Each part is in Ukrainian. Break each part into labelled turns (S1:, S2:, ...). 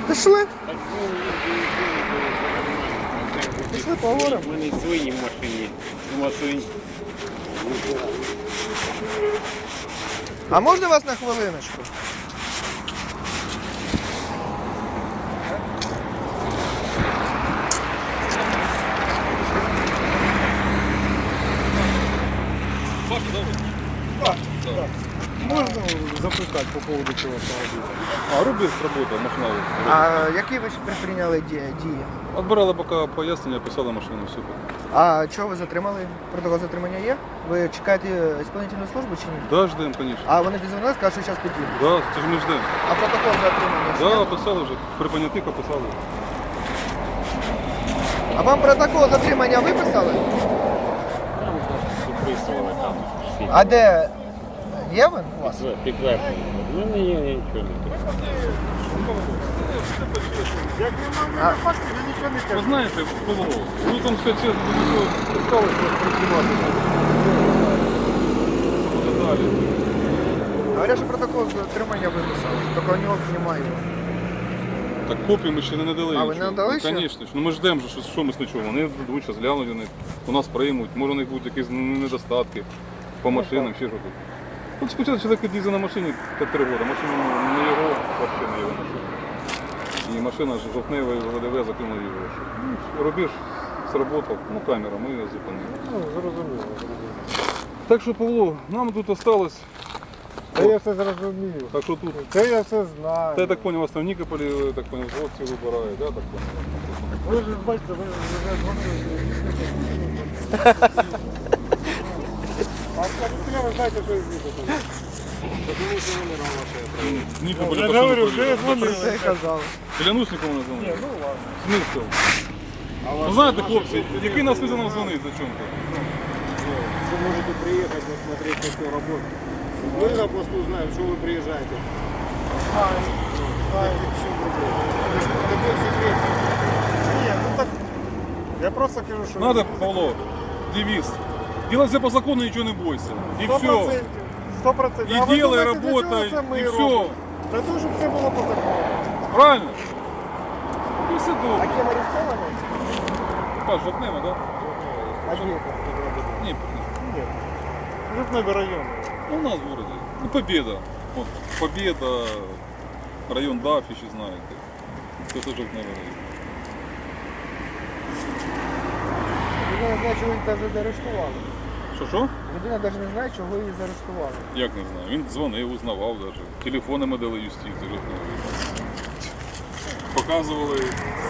S1: Пішли.
S2: Так,
S1: Пішли поговоримо.
S2: У мене свої машині. У вас свої.
S1: А можна вас на хвилиночку?
S3: Можно запитати по поводу цього автомобіля? А, Рубіс работає, машина.
S1: А які ви предприйняли дії?
S3: Отбирали поки пояснення, писали машину, все.
S1: А чого ви затримали? Протокол затримання є? Ви чекаєте ісполнительну службу чи ні?
S3: Да, ждем, конечно.
S1: А вони дізвонились, кажуть, що зараз підійдуть.
S3: Да, це ж ми ждем.
S1: А протокол затримання? ще
S3: Да,
S1: є?
S3: писали вже, при понятих описали.
S1: А вам протокол затримання виписали?
S2: Там підписували там. всі.
S1: А де? Є він у вас?
S2: Підтвердження. У мене є нічого не підтвердження.
S3: Як немає фактів, я нічого не кажу. Ви знаєте, Павло, ви там все чесно до нічого писалися працювати. Буде далі.
S1: Говорять, що протокол затримання виписали, тільки у нього немає.
S3: Так копії ми ще не надали.
S1: А, ви не надали ще?
S3: Звісно. Ну ми ждемо, що ми нічого. Вони дадуть, зараз глянуть, вони у нас приймуть. Може у них будуть якісь недостатки по машинам, ще щось. От спочатку чоловік їздив на машині 3 роки, машина не його, взагалі не його машина. І машина жовтнева і ВДВ закинули його. Ну, рубіж сработав, ну камера, ми її зупинили.
S4: Ну, зрозуміло.
S3: Так що, Павло, нам тут осталось.
S4: Це я все зрозумів.
S3: Так що тут,
S4: Це я все знаю.
S3: та я так понял, вас там в Нікополі, я так понял, хлопці вибирають, да, так понял?
S4: Ви ж бачите, ви вже дзвонили. А скажіть, ви знаєте, що я звідти.
S3: В Нікополі
S4: Я
S3: по що
S4: говорю,
S3: не
S4: вже
S3: повірили?
S4: дзвонили.
S1: Це казали.
S3: Клянусь нікому не дзвонив.
S4: Ну ладно.
S3: Смисл. Ну знаєте, хлопці, який нас не нам дзвонить за чому-то?
S5: Вы можете приехать посмотреть на всю работу. Мы на посту знаем, что вы приезжаете. Такой секрет.
S4: Ні, ну так. Я просто кажу, що...
S3: Надо, Павло, девиз. Делай все по закону, ничего не бойся. И все.
S4: 100%.
S3: И делай, работай, и все.
S4: Для того, щоб все було по закону.
S3: Правильно? І все
S1: А
S3: добре.
S1: ким арестовані?
S3: Паш, жовтнева, да?
S1: А де?
S3: Ні,
S4: Ні. Житневий район.
S3: ну у нас в городе. Ну, Победа. Вот, Победа, район Дафі, ще знаєте. Це теж жовтневий район.
S1: Людина не знає, чого її вже заарештували.
S3: Що?
S1: Людина навіть не знає, чого її заарештували.
S3: Як не знаю. Він дзвонив, узнавав навіть. Телефони ми дали юстиції жовтневий. Показували.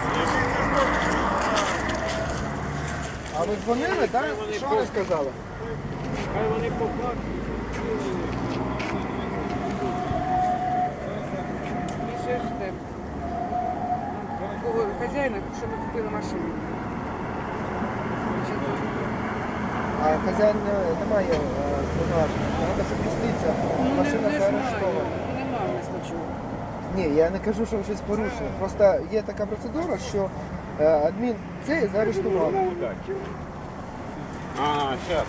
S1: А ви дзвонили, так? Що вони сказали?
S5: Хай вони поплачуть.
S6: Ми ще ждемо. Такого хазяїна, що ми купили машину.
S1: А хазяїн немає повноважень. Треба, щоб юстиція. Машина заарештована.
S6: Нема в нас нічого.
S1: Ні, я не кажу, що щось порушено. Просто є така процедура, що адмін це заарештував.
S2: Ага, зараз.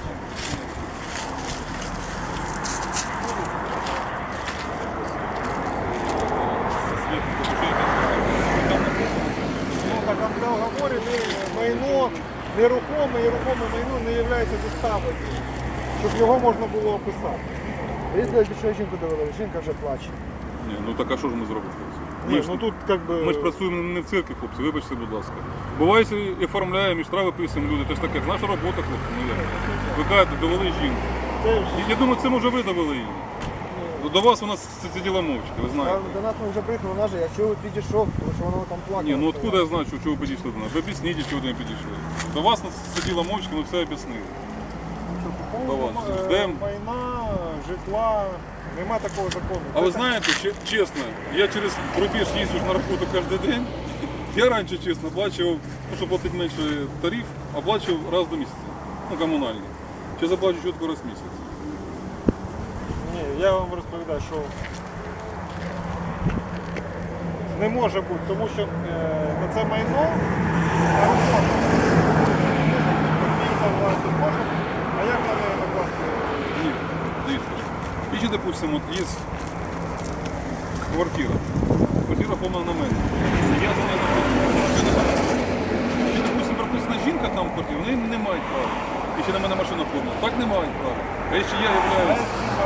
S4: Ну, так в договорі майно, нерухоме і рухоме майно не є заставою, щоб його можна було описати.
S1: Різали, що жінку довели, жінка вже плаче.
S3: Ні, ну так а що ж ми зробимо, хлопці?
S4: Ні, ну тут як би...
S3: Ми ж працюємо не в цирку, хлопці, вибачте, будь ласка. Буває, і оформляємо, і штрафи писуємо люди. Це ж таке, це наша робота, хлопці. Ну, як? Ви кажете, довели жінку.
S4: Це ж...
S3: Я думаю, це може ви довели її. До вас вона сиділа мовчки, ви знаєте.
S1: До нас ми вже приїхали, вона же, я чого підійшов, тому що вона там плакала.
S3: Ні, ну откуда я знаю, чого ви підійшли до нас? Ви об'ясніть, чого ви не підійшли. До вас сиділа мовчки, ми все об'яснили. До вас. Ждемо.
S4: Майна, житла, нема такого закону.
S3: А ви знаєте, чесно, я через рубіж їздю на роботу кожен день. Я раніше, чесно, оплачував, ну, щоб платити менше тариф, оплачував раз до місяця. Ну, комунальні. Зараз оплачу чітко раз в місяць.
S4: Ні, я вам розповідаю, що не може бути, тому що на це майно на роботу. Власне може, а як на неї накласти?
S3: Ні, дивіться. І ще, допустимо, от є квартира. квартира оформлена на мене. Я за нею Якщо, допустим, прописана жінка там в квартирі, вони не мають права. І ще на мене машина оформлена. Так не мають права. А якщо я являюсь...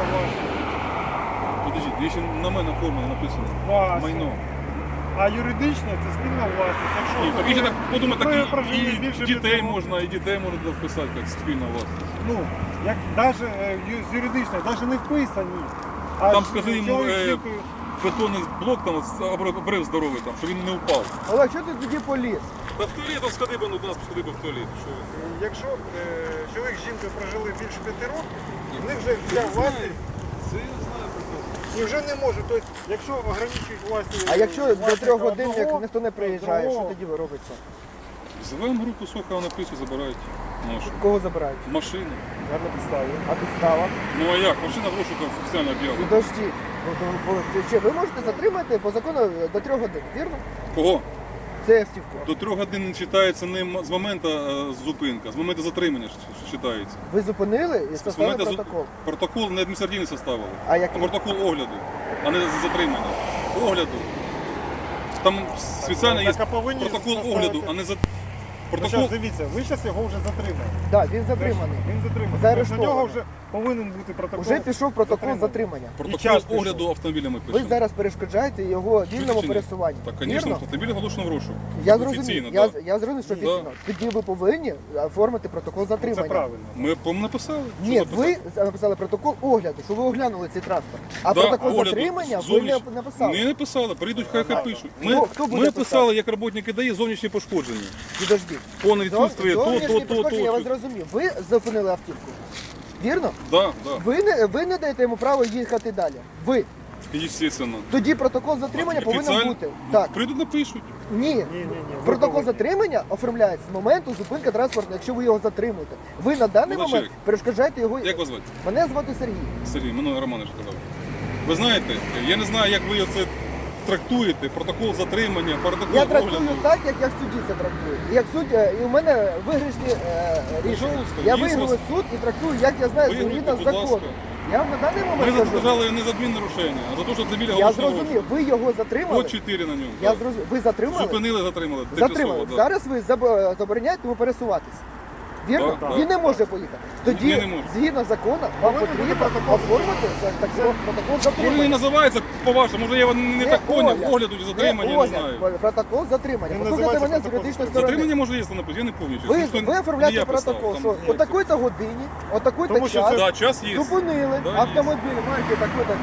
S3: Подождіть, якщо на мене оформлено написано
S4: Власне.
S3: майно.
S4: А юридично це спільна власність. Якщо
S3: І так, якщо так подумати,
S4: ви
S3: так
S4: прожили
S3: і
S4: більше
S3: дітей
S4: 5
S3: можна, і дітей можна туди вписати, як спільна власність.
S4: Ну, як даже з юридичної, навіть не вписані. А
S3: Там
S4: ж
S3: скажи йому,
S4: чоловік з жінкою-
S3: бетонний блок, там обрив здоровий, там, щоб він не впав.
S1: Олег, що ти тоді поліз?
S3: Та в туалет, там сходи би, ну, до нас сходи би в туалет. Що ви?
S4: Якщо чоловік з жінкою прожили більше 5 років, в них вже вся власність
S3: Це я знаю прекрасно.
S4: і вже не може. Тобто, якщо ограничують власність...
S1: А якщо до 3 годин як
S4: одного,
S1: ніхто не приїжджає, що
S4: одного,
S1: тоді робиться?
S3: Зовемо групу Сокола на пису, забирають нашу.
S1: Кого забирають?
S3: Машину.
S4: Я на підставі.
S1: А підстава?
S3: Ну а як? Машина в розшуках офіційно об'явлена.
S1: Підожди. Чи ви можете затримати по закону до 3 годин, вірно?
S3: Кого?
S1: Це автівку.
S3: До 3 годин не читається не з моменту зупинка, з моменту затримання читається.
S1: Ви зупинили і
S3: З
S1: составили
S3: моменту
S1: протокол.
S3: Протокол не адміністративний составили,
S1: А який?
S3: протокол огляду, а не затримання. Огляду. Там спеціально є
S4: Так, а повинні
S3: протокол
S4: составити-
S3: огляду, а не за...
S4: Ну,
S3: Протокол...
S4: зараз дивіться, ви зараз його вже затримали.
S1: Так, він затриманий.
S4: Він затриманий.
S1: Заарештований.
S4: На нього вже повинен бути протокол.
S1: Уже пішов протокол
S4: затримання.
S1: затримання.
S4: І
S3: Протокол
S4: час пішов.
S3: огляду автомобілями
S1: Ви
S3: пишемо.
S1: зараз перешкоджаєте його вільному
S3: Чи ні?
S1: пересуванню.
S3: Так, звісно,
S1: Вірно?
S3: автомобіль оголошено в розшук.
S1: Я
S3: Офіційно,
S1: зрозумів.
S3: да.
S1: Я зрозумів, що
S3: Да.
S1: офіційно. Тоді ви повинні оформити протокол
S4: Це
S1: затримання.
S4: правильно.
S3: Ми по-моєму написали. Що
S1: Ні,
S3: записати?
S1: ви написали протокол огляду, що ви оглянули цей транспорт. А
S3: Да,
S1: протокол
S3: огляду
S1: затримання ви
S3: зовнішній.
S1: не написали.
S3: Не написали, прийдуть, хай пишуть.
S1: Хто буде
S3: Ми
S1: писати?
S3: писали, як роботники дає зовнішні пошкодження.
S1: Підождіть.
S3: Повне відсутствие,
S1: Зовнішні
S3: то.
S1: пошкодження, я вас зрозумів. Ви зупинили автівку. Вірно?
S3: Да, да.
S1: Ви не даєте йому право їхати далі. Ви.
S3: Естественно.
S1: Тоді протокол затримання повинен
S3: Офіціально-
S1: бути. Так.
S3: Прийдуть, напишуть.
S1: Ні.
S4: Ні.
S1: Протокол затримання оформляється з моменту зупинки транспорту, якщо ви його затримуєте. Ви на даний
S3: Молодчик.
S1: момент перешкоджаєте його.
S3: Як вас звати?
S1: Мене звати Сергій.
S3: Сергій, мене Романович казав. Ви знаєте, я не знаю, як ви це трактуєте, протокол затримання, протокол
S1: Я трактую
S3: огляду.
S1: так, як я в суді це трактую. Як суддя, і у мене виграшні рішення.
S3: Пожалуйста,
S1: Я
S3: є
S1: виграю
S3: вас-
S1: суд і трактую, як я знаю,
S3: Виграйте,
S1: згідно з
S3: будь
S1: законом.
S3: ласка.
S1: Я вам на даний
S3: Ми
S1: момент кажу,
S3: задержали не за адміннарушення, а за те, що автомобіль
S1: я
S3: оголошено в
S1: зрозумів,
S3: розшук.
S1: ви його затримали.
S3: От 4 на ньому.
S1: Я
S3: так.
S1: зрозумів. Ви затримали?
S3: Зупинили, затримали.
S1: Затримали.
S3: Тимчасово, да.
S1: Зараз ви забороняєте йому пересуватись. Вірно?
S3: Так,
S1: Він не може поїхати. Тоді,
S3: Ні, не може.
S1: згідно закону, вам потрібно оформити протокол
S3: Він не
S1: затримання.
S3: називається по-вашому, може я його не так поняв,
S1: огляд.
S3: огляду чи затримання, я не знаю.
S1: Протокол затримання.
S4: Він
S1: Послухайте
S4: називається
S1: мене з
S4: протокол
S1: юридичної сторони.
S3: Затримання може є написано, я не пам'ятаю.
S1: Ви,
S3: Ніхто не-
S1: ви
S3: не
S1: оформляєте
S3: я писав,
S1: протокол,
S3: там
S1: що
S3: знаєте.
S1: о такій-то годині, о такий-то
S4: Тому що
S1: час
S3: Да, час є.
S1: зупинили
S3: Да, є.
S1: автомобіль марки такої-то,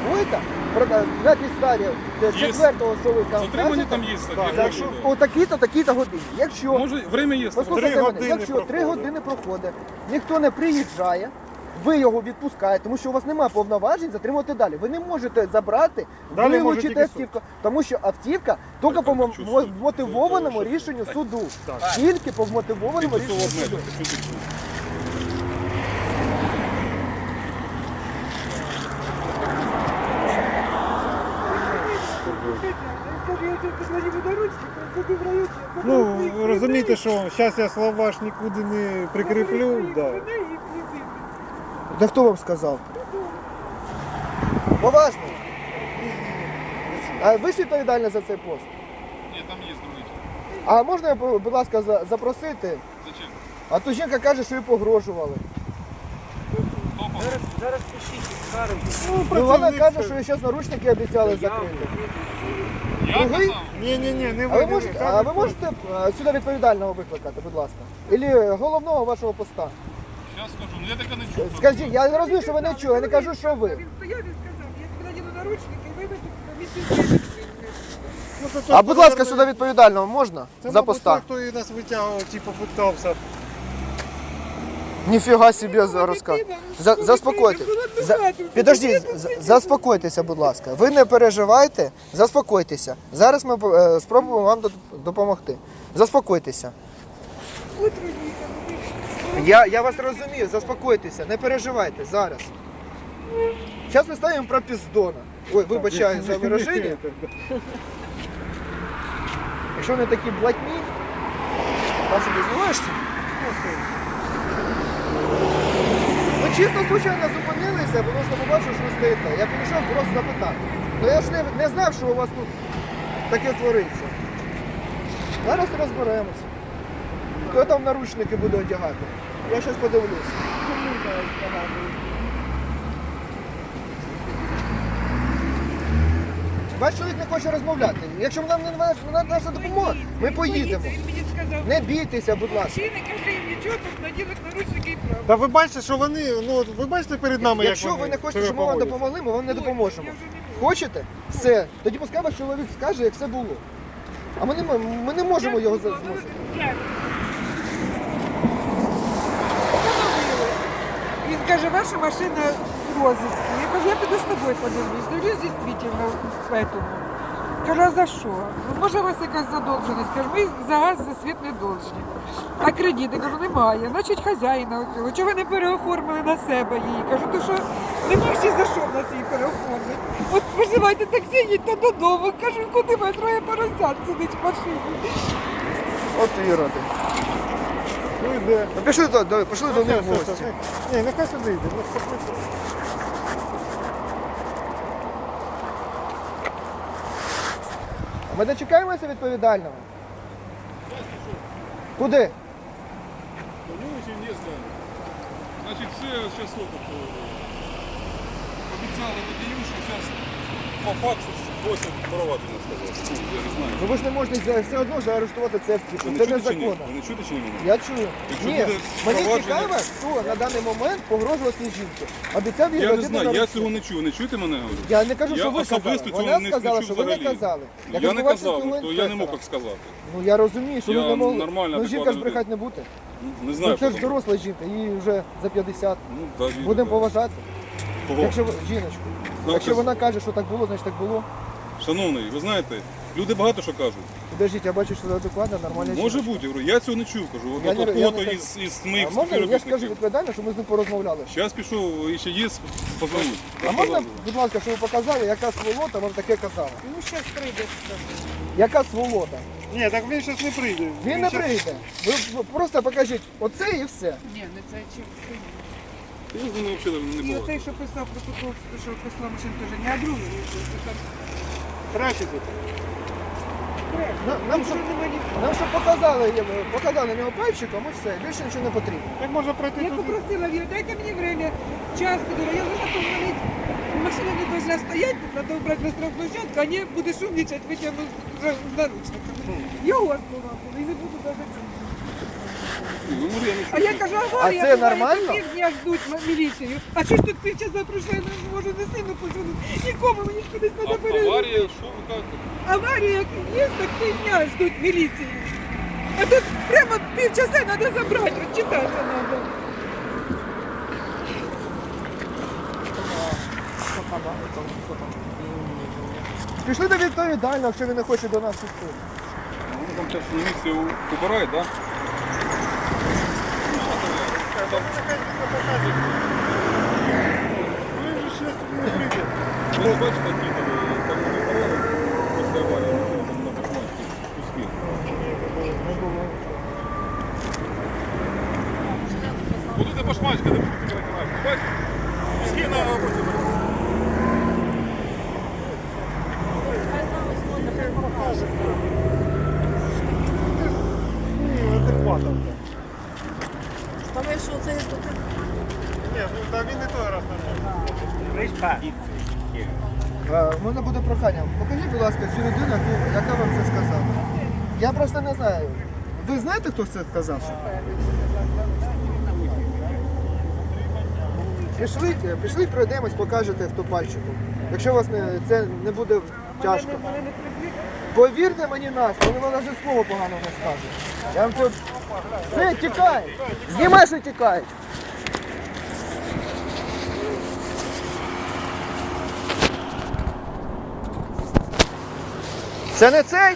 S1: на підставі
S3: Є.
S1: 4-го, що ви там
S3: Затримання
S1: кажете,
S3: там є,
S1: так,
S3: таке,
S1: якщо
S3: да.
S1: о такій-то, такій-то годині. Якщо,
S3: Може, время є.
S1: послухайте
S4: 3
S1: мене,
S4: години
S1: якщо 3
S4: проходить.
S1: години проходить, ніхто не приїжджає, ви його відпускаєте, тому що у вас немає повноважень затримувати далі. Ви не можете забрати,
S4: Далі може
S1: вилучити
S4: тільки суд.
S1: автівку, тому що автівка тільки по
S3: хочу суд.
S1: мотивованому рішенню суду. Тільки по мотивованому
S3: Тимчасово
S1: рішенню суду.
S3: обмежити. Що тут?
S4: Ну, ви розумієте, що зараз я слова ж нікуди не прикріплю. Да.
S1: Да хто вам сказав? Поважно. А ви ж відповідальні за цей пост.
S3: Ні, там є другий.
S1: А можна, будь ласка, запросити?
S3: Зачем?
S1: А то жінка каже, що їй погрожували.
S6: Зараз пишіть, скаржу.
S1: Ну, вона
S4: працівник
S1: каже,
S4: це-
S1: що зараз наручники обіцяли закрити.
S3: Я
S1: Другий?
S3: казав.
S4: Ні, не
S1: А ви можете сюди відповідального викликати, будь ласка? Ілі головного вашого поста?
S3: Зараз скажу, ну я таке не чув.
S1: Скажіть, я не розумію, що ви не чуєте, я не кажу, що ви.
S6: Він стояв і сказав, я тобі надіну наручники і виведу комісію.
S1: А будь ласка, сюди відповідального можна?
S4: Це,
S1: За
S4: мабуть,
S1: поста.
S4: той, хто і нас витягував, типу, питався.
S1: Ніфіга собі розказує. Заспокойтесь. Підождіть, заспокойтеся, будь ласка. Ви не переживайте, заспокойтеся. Зараз ми спробуємо вам допомогти. Заспокойтеся. Я вас розумію, заспокойтеся, не переживайте зараз. Зараз ми ставимо про піздона. Ой, вибачаю за вираження. Якщо вони такі блатні, Паша, ти знімаєшся? Ми чисто случайно зупинилися, тому що побачив, що ви стоїте. Я підійшов просто запитати. Ну я ж не знав, що у вас тут таке твориться. Зараз розберемося. Хто там наручники буде одягати? Я зараз подивлюся. Ваш чоловік не хоче розмовляти. Якщо нам не наша допомога, ми поїдемо.
S6: Він мені сказав,
S1: Не бійтеся, будь ласка.
S6: мужчини, каже, їм нічого, тут наділить наручники і право.
S4: Та ви бачите, що вони, ну от ви бачите перед нами,
S1: Якщо
S4: як
S1: ви
S4: вони
S1: не хочете,
S4: себе
S1: щоб ми вам
S4: поводять?
S1: допомогли, ми вам не допоможемо.
S6: Я вже не можу.
S1: Хочете? Все. Тоді пускай ваш чоловік скаже, як все було. А ми не можемо його змусити.
S6: Він каже, ваша машина в розыске. Я кажу, я піду з тобою подивлюсь. Дивлюсь, дійсно, в этому. Кажу, а за що? Ну, може, у вас якась задовженість? Кажу, ми за газ, за світ не должні. А кредити, кажу, немає. Значить, хазяїна оцього. Чого ви не переоформили на себе її? Кажу, то що нема ще за що в нас її переоформити. От визивайте таксі, їдьте додому. Кажу, куди ви троє поросят сидить в машині.
S1: От іроди.
S4: Ну йде.
S1: Ну, пішли до них в гості.
S4: Ні, нехай сюди йде. Ну, спокійно.
S1: Ми дочекаємося відповідального? Куди?
S3: Ну, очень не знаю. Значит, все сейчас обіцяли водію, що зараз по факсу просять провадження сказати. Ну, я не знаю.
S1: Ну ви ж не можете все одно заарештувати це втіку.
S3: Ви не
S1: Це
S3: чуєте чи ні?
S1: незаконно.
S3: Ви не чуєте чи ні мене?
S1: Я чую.
S3: Якщо
S1: Ні,
S3: буде
S1: мені
S3: провадження-
S1: цікаво, хто на даний момент погрожував цій жінці. Обіцяв їй
S3: Я не
S1: родити
S3: знаю, я
S1: наручники.
S3: цього не чую. Не чуєте мене? Говорю?
S1: Я не кажу,
S3: Я
S1: що ви
S3: особисто
S1: казали.
S3: цього
S1: Вона
S3: не
S1: сказала,
S3: чув
S1: що ви не
S3: взагалі.
S1: казали.
S3: Я не
S1: відбувається
S3: казав,
S1: цього
S3: то я не мог
S1: інспектора.
S3: так сказати.
S1: Ну я розумію, що
S3: Я
S1: ви не могли.
S3: нормально,
S1: Ну жінка ж
S3: адекватна
S1: брехати не буде.
S3: Не знаю.
S1: Ну це ж
S3: потім.
S1: доросла жінка, їй вже за 50.
S3: Ну, да, вірю,
S1: Будемо
S3: да.
S1: поважати.
S3: Кого?
S1: Якщо ви, жіночку.
S3: Ну,
S1: Якщо
S3: це-
S1: вона каже, що так було, значить так було.
S3: Шановний, ви знаєте, люди багато що кажуть.
S1: Подождіть, я бачу, що це адекватна, нормальна
S3: Може
S1: жіночка.
S3: бути, я говорю, я цього не чув, кажу. От
S1: Я не-
S3: от
S1: я
S3: фото
S1: не-
S3: із моїх
S1: А можна, я ж кажу
S3: співробітників.
S1: відповідально, що ми з ним порозмовляли.
S3: Зараз пішов, і ще є, позвоню.
S1: А можна, будь ласка, щоб ви показали, яка сволота вам таке казала?
S6: Ну, зараз прийде.
S1: Яка сволота?
S4: Ні, так він зараз не прийде.
S1: Він не прийде. Ви просто покажіть оце і все.
S6: Ні, не це чим.
S3: Я з ними взагалі не
S6: І
S3: було.
S6: оцей, що писав протокол, що писала машина, теж не, а другий.
S4: Краще тут.
S1: Нам щоб показали на нього пальчиком і все, більше нічого не потрібно.
S4: Так можна пройти
S6: Я
S4: тут.
S6: попросила, говорю, дайте мені время, час, говорю, я должна позвонить. Машина не должна стоять, тут надо убрать на штрафплощадку, а не будешь умничать, вытягну з наручниками. Його слова були, і не буду даже це.
S3: Ну, може, я не
S6: А я кажу, аварія,
S1: А це
S6: буває,
S1: нормально?
S6: півдня ждуть міліцію. А що ж тут півчаса пройшло, я не можу не сильно позвонити. Нікому, мені кудись треба перейти.
S3: Аварія, що ви кажете?
S6: Аварія як є, так півдня ждуть міліцію. А тут прямо півчаса треба забрати, от читати треба.
S1: Пішли до відповідального, якщо він не хоче до нас йти.
S3: Вони там зараз на місці убирають, так?
S4: Він же зараз не прийде.
S3: Ви не бачите, які там не убирали після аварії, там на башмачці куски. Будете башмачка, де будете перекривати. Бачите? Куски на роботі.
S4: Ні, адекватно.
S7: Тому що це
S4: Ні, ну та він не той раз нормально.
S1: У мене буде прохання. Покажіть, будь ласка, цю людину, яка вам це сказала. Я просто не знаю. Ви знаєте, хто це сказав? Пішли, пройдемось, покажете, хто пальчиком. Якщо у вас це не буде тяжко. Повірте мені нас, вони вам навіть слово погано не скажуть. Я вам це... Все, тікай! Знімай, що тікають! Це не цей?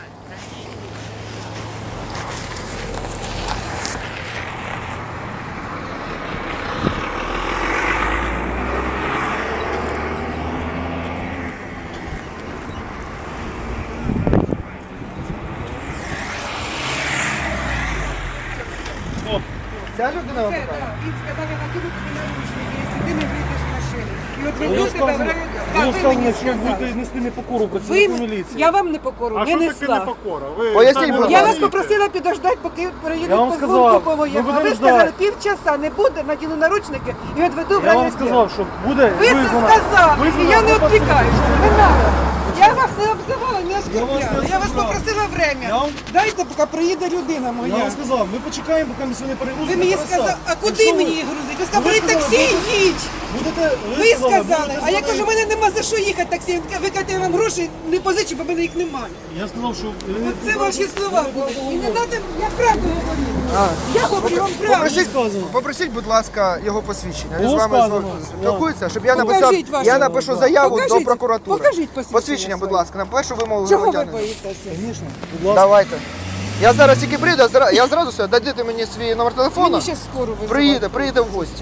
S1: Ця людина вам
S6: Це,
S1: покаже?
S6: так, він сказав, я накину тобі наручники, якщо ти не вийдеш з машини. І от везуть тебе в район ви мені сказали.
S5: нести непокору
S6: Ви, я вам не покору,
S4: А
S6: не
S4: що таке
S6: несла.
S4: непокора? Ви
S1: Поясніть,
S4: самі
S1: будь ласка.
S6: Я вас
S4: розумієте?
S6: попросила підождати, поки
S5: Я
S6: приїдуть
S5: вам
S6: по
S5: сказав,
S6: звуку по воєнному.
S5: ми
S6: А ви
S5: будемо
S6: сказали,
S5: ждати.
S6: півчаса не буде, надіну наручники і відведу в
S5: Я вам
S6: райвідділ.
S5: сказав, що буде
S6: Ви це
S5: визнано.
S6: сказали, і я не
S5: визнано
S6: відвлікаюся. Не треба. Я вас не обзивала, не оскорбляла.
S5: не
S6: Я вас
S5: сказав.
S6: попросила
S5: Я
S6: время.
S5: вам-
S6: Дайте, поки приїде людина
S5: Я
S6: моя.
S5: вам сказав, ми почекаємо, поки ми сьогодні перегрузимо.
S6: Ви мені
S5: на
S6: сказали,
S5: трасах.
S6: а куди
S5: Якщо
S6: мені їх грузити? Ви сказали,
S5: Ви
S6: бери
S5: сказали,
S6: таксі, їдь. Ви сказали, а я кажу, у мене нема за що їхати таксі. Ви кажете, я вам гроші не позичу, бо в мене їх немає.
S5: Я сказав, що...
S6: Це ваші слова були. І не треба, я правду говорю. Я говорю вам правду.
S1: Попросіть, будь ласка, його посвідчення. Він з
S5: Було
S1: вами
S5: сказано.
S1: спілкується, щоб я написав.
S6: Покажіть ваше.
S1: Я напишу заяву до
S6: Покажіть.
S1: прокуратури.
S6: Покажіть посвідчення
S1: будь
S6: своє.
S1: ласка, на першу вимогу
S6: Чого ви
S1: громадянина.
S6: боїтеся?
S5: Звісно, будь ласка.
S1: Давайте. Я зараз тільки прийду, я зразу все, дадите мені свій номер телефону.
S6: Мені ще скоро визивати.
S1: Приїде в гості.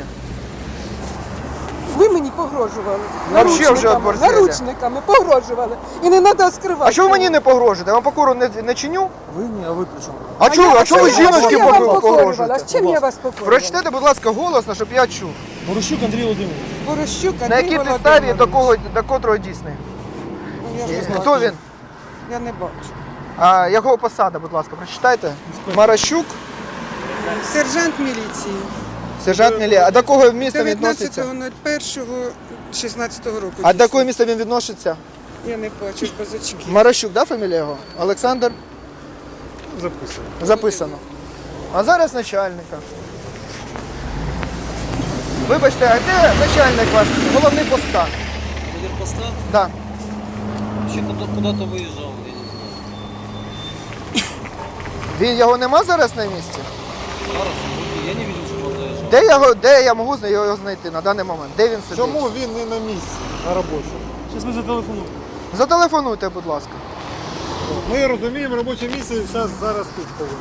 S6: Ви мені погрожували.
S1: Вообще вже оборзели.
S6: Наручниками погрожували. І не треба скривати.
S1: А чого ви мені не погрожуєте? Я вам покору не чиню?
S5: Ви ні, а ви при чому?
S1: А чого ви жіночки
S6: я вам покорювала?
S1: погрожуєте?
S6: З чим я вас покорювала?
S1: Прочитайте, будь ласка, голосно, щоб я чув.
S5: Борощук Андрій Володимирович.
S6: Борощук,
S1: На
S6: Андрій
S1: якій підставі
S6: Володимирович.
S1: до котрого дійсний?
S6: Я ж не
S1: Хто
S6: бачу.
S1: він?
S6: Я не бачу.
S1: А його посада, будь ласка, прочитайте. Маращук,
S6: Сержант міліції.
S1: сержант Мілі. А до кого місто відноситься?
S6: 19.01.16 року.
S1: А до якого міста він відноситься?
S6: Я не бачу без очків.
S1: Маращук, да, фамілія його? Олександр?
S5: Записано.
S1: Записано. А зараз начальника. Вибачте, а де начальник ваш? Головний поста?
S8: Поста?
S1: Да.
S8: Вообще куда-то выезжал, я не знаю.
S1: Він його нема зараз на місці?
S8: Я не видел, что он заезжал.
S1: Де я можу його знайти на даний момент? Де він сидить?
S4: Чому він не на місці, на робочому?
S5: Зараз ми зателефонуємо.
S1: Зателефонуйте, будь ласка.
S4: Ми розуміємо, робоче місце зараз тут повинно.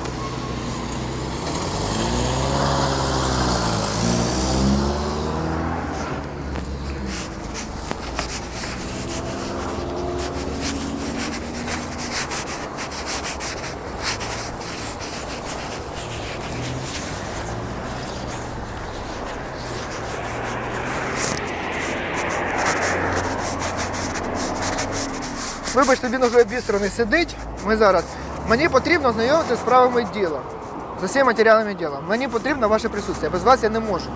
S1: Вибачте, він уже обістраний сидить. Ми зараз. Мені потрібно знайомитися з справами діла. З усіма матеріалами діла. Мені потрібно ваше присутствие. Без вас я не можу.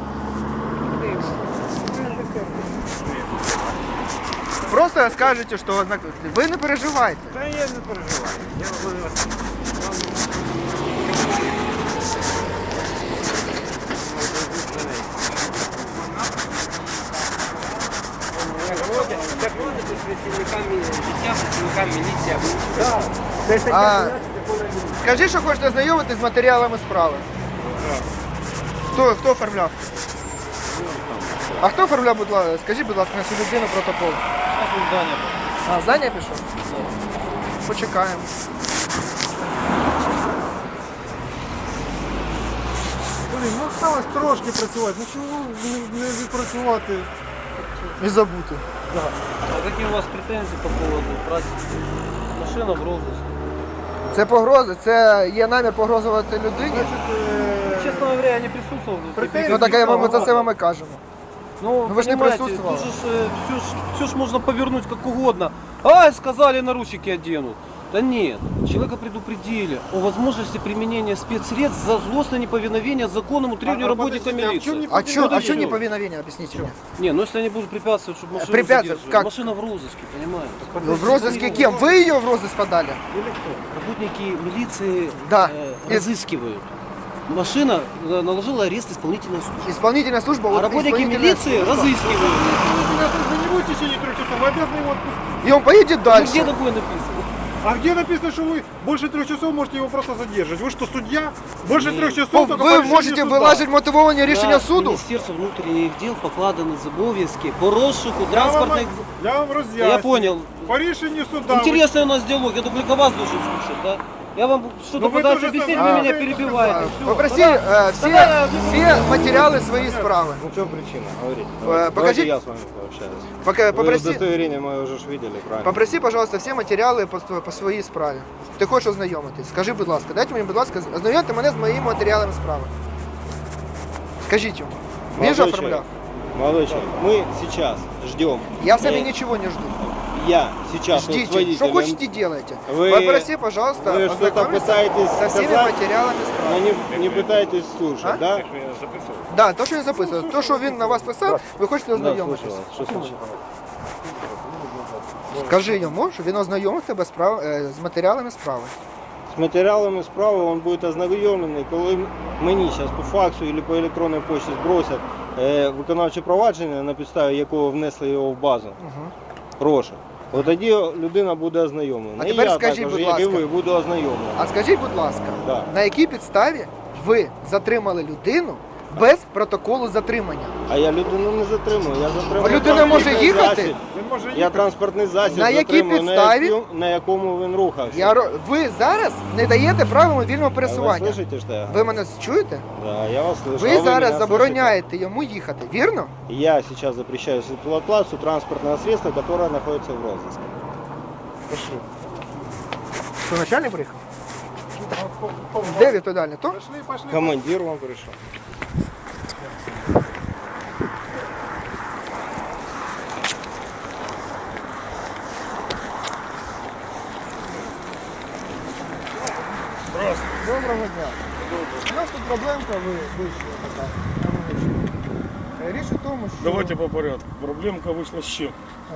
S1: Просто скажете, що ви не переживайте.
S4: Та я не переживаю.
S1: Скажи, що хочете знайомитись з матеріалами справи. Хто оформляв? А хто оформляв, будь ласка? Скажіть, будь ласка, на цю людину протокол. А, Заня пішов? Почекаємо.
S4: Блін, ну осталось трошки працювати. Ну чому не відпрацювати?
S1: І забути.
S8: А какие у вас претензии по поводу праздника? Машина в розыске.
S1: Це погрози, це є намір погрозувати людині.
S8: Честно говоря, я не присутствовал.
S1: Ну так ми за це вам і кажемо.
S8: Ну,
S1: вы ж не
S8: понимаете,
S1: присутствовали.
S8: тут же все ж можно повернуть как угодно. Ай, сказали, наручники оденут. Да нет, человека предупредили о возможности применения спецсредств за злостное неповиновение законному требованию работника милиции.
S1: А чё
S8: Подожди.
S1: неповиновение, объясните мне?
S8: Не, ну если они будут препятствовать, чтобы машину
S1: Препятствовать?
S8: задерживали.
S1: Как?
S8: Машина в розыске, понимаете?
S1: В розыске кем? Вы ее в розыск подали?
S8: Работники милиции
S1: Да.
S8: разыскивают. Машина наложила арест исполнительной службы.
S1: Исполнительная служба.
S8: А
S1: вот
S8: работники
S1: исполнительная
S8: милиции
S1: служба.
S8: разыскивают.
S4: Вы не будете в течение 3 часов, вы обязаны его отпустить.
S1: И он поедет
S8: Ну,
S1: дальше.
S8: где такое написано?
S4: А где написано, что вы больше 3 часов можете его просто задержать? Вы что, судья? Больше 3
S1: Ну,
S4: часов только по
S1: ви
S4: решению
S1: можете
S4: суда.
S1: вилажити мотивовані рішення
S8: Да,
S1: суду?
S8: Міністерство внутрішніх діл покладено обов'язки по розшуку транспортних...
S4: Я вам разъясню.
S8: Я понял.
S4: По решению суда.
S8: Интересный у нас диалог, я только вас должен слушать, да? Я вам что-то
S4: Ну, вы
S8: пытаюсь
S4: тоже
S8: объяснить,
S4: самое.
S8: вы меня перебиваете. Всё,
S1: Попроси
S8: тогда-
S1: всі,
S8: тогда-
S1: всі матеріали свої справи.
S9: Ну, в чем причина? Говорите.
S1: Покажи-
S9: Давайте я с вами пообщаюсь. Вы
S1: Попроси,
S9: удостоверение мое уже ж видели, правильно?
S1: попроси, пожалуйста, всі матеріали по своїй справі. Ти хочеш ознайомитись? Скажи, будь ласка, дайте мені, будь ласка, ознайомте мене з моїми матеріалами справи. Скажіть йому. Він же
S9: Молодой
S1: оформляв.
S9: человек, Молодой человек, мы сейчас ждем.
S1: Я сами ничего не жду.
S9: Я сейчас вот с
S1: Ждите,
S9: водителем.
S1: что хотите делайте.
S9: Вы-
S1: Попроси, пожалуйста,
S9: вы что-то
S1: ознакомиться
S9: пытаетесь
S1: со всеми
S9: сказать,
S1: материалами
S9: Но
S1: справи.
S9: не пытаетесь слушать,
S1: А?
S9: да?
S2: Я записував.
S1: Да, то, що він записував. То, що він на вас писав, ви хочете
S9: Да,
S1: ознайомитися.
S9: слушаю вас. Что случилось?
S1: Скажи йому, що він ознайомив тебе з матеріалами справи.
S9: З матеріалами справи він буде ознайомлений, коли мені зараз по факсу або по електронній почті збросять виконавче провадження, на підставі якого внесли його в базу. Розшук. От тоді людина буде ознайомлена.
S1: А
S9: І
S1: тепер
S9: я
S1: скажіть,
S9: також,
S1: будь
S9: як і
S1: ласка.
S9: ви, буду ознайомлений.
S1: А скажіть, будь ласка,
S9: Да.
S1: на якій підставі ви затримали людину без протоколу затримання?
S9: А я людину не затримую, я затримую.
S1: А людина може
S9: транспортний
S1: їхати?
S9: засіб.
S4: Він може їхати.
S9: Я транспортний засіб
S1: На якій
S9: затримую,
S1: підставі?
S9: на якому він рухався.
S1: Ви зараз не даєте правил вільного
S9: А ви
S1: пересування.
S9: слышите, що я
S1: Ви мене чуєте?
S9: Да, я вас слышу. А
S1: Ви
S9: мене
S1: зараз
S9: слышите?
S1: забороняєте йому їхати, вірно?
S9: Я сейчас запрещаю эксплуатацию транспортного средства, которое находится в розыске.
S1: Пошли. Що, начальник приїхав? Де відповідальний? То?
S4: Пошли.
S9: Командир вам пришел.
S1: Доброго дня. У нас тут проблемка вийшла така. Річ у тому, що
S10: Давайте по порядку. Проблемка вышла с чем?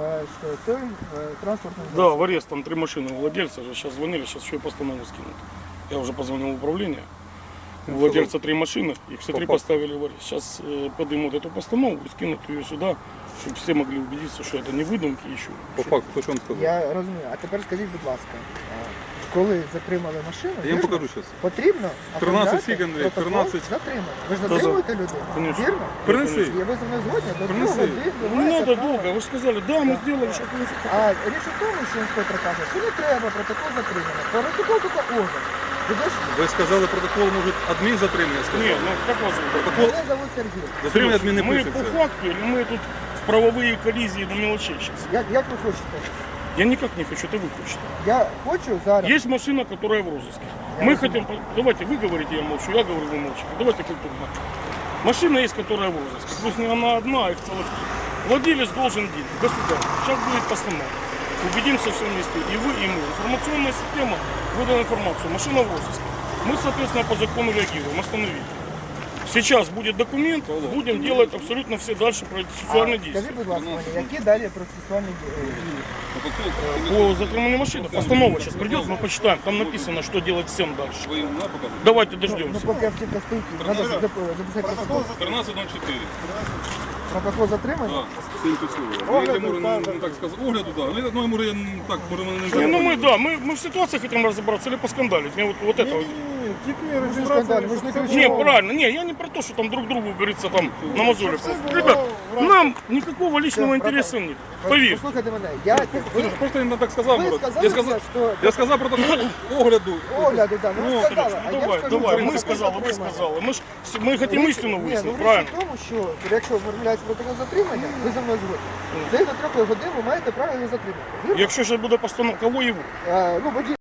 S1: з тим транспортним
S10: Да, в арест там 3 машины у владельца же. Сейчас звонили, сейчас еще и постанову скинут. Я уже позвонил в управление. У владельца 3 машины, их все 3 поставили в арест. Сейчас поднимут эту постанову и скинут ее сюда, чтобы все могли убедиться, что это не выдумки еще.
S3: По факту, що він сказав?
S1: Я розумію. А тепер скажіть, будь ласка, коли затримали машину,
S3: Я їм
S1: вірно,
S3: покажу зараз.
S1: потрібно
S3: 13
S1: оформляти
S3: скільки, Андрій?
S1: протокол
S3: 13?
S1: затримання. Ви ж затримуєте людину,
S10: Конечно.
S1: вірно?
S3: Принеси.
S1: І ви зі мною згодні? До 2
S3: Принеси.
S1: годин ви
S10: Не
S1: маєте
S10: надо
S1: право.
S10: долго, вы же сказали, да, мы сделали, что
S1: А річ у тому, що інспектор каже, що не треба протокол затримання. Протокол тільки орган. Підожди.
S3: Ви сказали протокол, може, адмін затримання
S10: Не,
S3: сказав?
S10: ну как вас зовут?
S3: Протокол
S1: Мене зовут Сергій.
S3: затримання адмін не
S10: Мы
S3: пишеться.
S10: по факту или мы тут в правовые коллизии до мелочей сейчас?
S1: Як ви хочете?
S10: Я никак не хочу, это вы хотите.
S1: Я хочу зараз.
S10: Есть машина, которая в розыске. Мы хотим, давайте вы говорите, я молчу, я говорю, вы молчите. Давайте культурно. Машина есть, которая в розыске. Пусть не она одна, а их целых 3. Владелец должен денег. Государство. Сейчас будет постанова. Убедимся все вместе. И вы, и мы. Информационная система выдала информацию. Машина в розыске. Мы, соответственно, по закону реагируем. Остановили. Сейчас будет документ, будем делать абсолютно все дальше процессуальные действия.
S1: Скажіть, будь ласка, мені, які далі процесуальні дії?
S10: По затриманию машины. Постанова сейчас придет, мы почитаем. Там написано, что делать всем дальше.
S3: Ви їм на покажете?
S10: Давайте
S1: Ну,
S10: дождемся.
S1: поки автівка стоїть, треба записати протокол.
S3: 13.04.
S1: Протокол затримання?
S3: Так, сильно підсилює. Я можу не так сказати. Огляду, так. Ну, може, я так, може, мене не
S10: Не, ну мы,
S3: так.
S10: да, мы в ситуации хотим разобраться или поскандалить. Мне вот это вот.
S4: Тільки
S1: скандаль,
S4: розібратися.
S1: ми ж не
S4: це
S1: кричимо.
S10: Не,
S4: було.
S10: правильно, не, я не про то, что там друг другу, говорится, там намазоли. Ребят, нам никакого личного интереса нет. Поверь.
S1: Послухайте мене, я...
S3: Просто він так сказав.
S1: Ви
S3: Мурат.
S1: сказали, що...
S3: Я сказав протокол огляду.
S1: Огляду, да, ну ви сказали, а я
S10: Давай,
S1: скажу,
S10: давай,
S1: що
S10: мы
S1: протокол
S10: сказали, вы
S1: затримання.
S10: сказали. Мы хотим истину
S1: Ні, ну
S10: выяснить,
S1: річ
S10: правильно?
S1: в тому, що якщо оформляється протокол затримання, ви за мною згодні. Це до 3 годин ви маєте право його затримати. Вірно?
S10: Якщо ще буде постанова, кого його?
S1: Ну, водій